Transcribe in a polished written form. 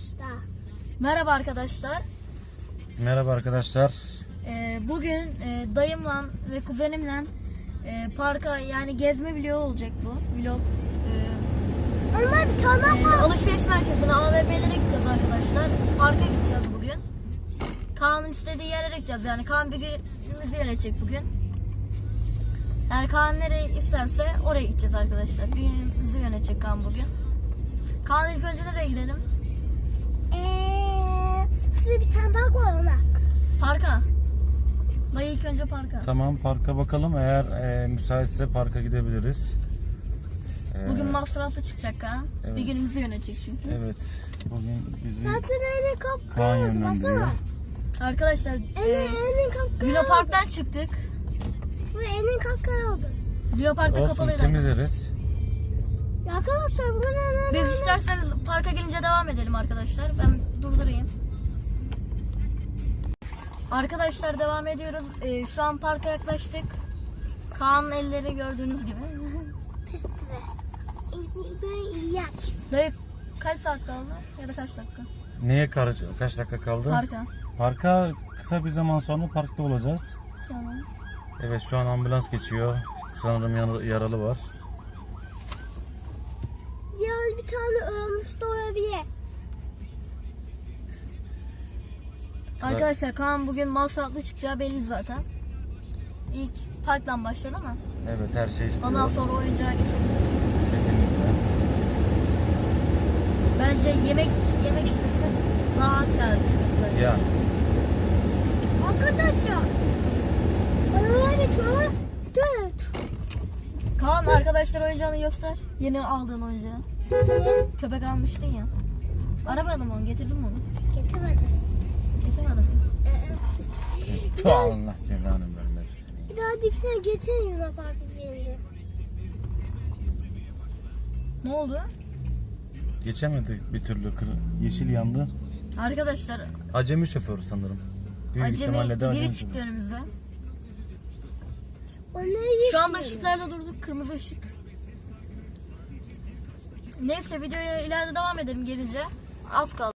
arkadaşlar. Merhaba arkadaşlar. Merhaba arkadaşlar. Bugün dayımla ve kuzenimle parka yani gezme vlogu olacak bu. Vlog. Onlar bir tane var. Alışveriş merkezine, AVM'lere gideceğiz arkadaşlar. Parka gideceğiz bugün. Kaan'ın istediği yerlere gideceğiz. Yani Kaan bir günümüzü yönetecek bugün. Yani Kaan nereye isterse oraya gideceğiz arkadaşlar. Bir günümüzü yönetecek Kaan bugün. Kaan ilk önce nereye gidelim? Şurada bir tane park var ona. Parka. Dayı ilk önce parka. Tamam, parka bakalım. Eğer müsaitse parka gidebiliriz. Bugün masraflı çıkacak ha. Evet. Bir günümüzü yönetecek çünkü. Evet. Bugün bizi Zaten elin kapkara Kaan oldu, yönlendiriyor. baksana. Arkadaşlar Elin kapkara Luna oldu. Park'tan çıktık. Bu elin kapkara oldu. Luna Park'ta Olsun, kapalıydı. temizleriz. Ya arkadaşlar bu ne? Biz isterseniz parka gelince devam edelim arkadaşlar. Ben durdurayım. Arkadaşlar devam ediyoruz. Şu an parka yaklaştık. Kaan'ın elleri gördüğünüz gibi. Piste. Böyle ilaç. Dayı kaç saat kaldı? Ya da kaç dakika? Neye kaç dakika kaldı? Parka. Parka kısa bir zaman sonra parkta olacağız. Tamam. Evet, şu an ambulans geçiyor. Sanırım yaralı var. Ya bir tane ölmüş de olabilir. Arkadaşlar Kaan bugün masraflı çıkacağı belli zaten. İlk parktan başladı ama. Evet, her şey istiyor. Ondan sonra oyuncağa geçelim. Kesinlikle. Bence yemek istese daha kârlı çıkacak. Ya. Arkadaşlar. Arabalar geçiyor ama dur. Kaan arkadaşlar oyuncağını göster. Yeni aldığın oyuncağı. Niye? Köpek almıştın ya. Arabada mı onu? Getirdim mi onu? Getirmedim. Getirmedim. Allah cezanı vermesin. Bir daha dikine getirin Luna Park'a gelince. Ne oldu? Geçemedik bir türlü. Yeşil yandı. Arkadaşlar Acemi şoför sanırım. Büyük ihtimalle de acemi biri acemi çıktı şoför. önümüze. O ne yeşil? Şu anda ışıklarda durduk. Kırmızı ışık. Neyse videoya ileride devam edelim gelince. Az kaldı.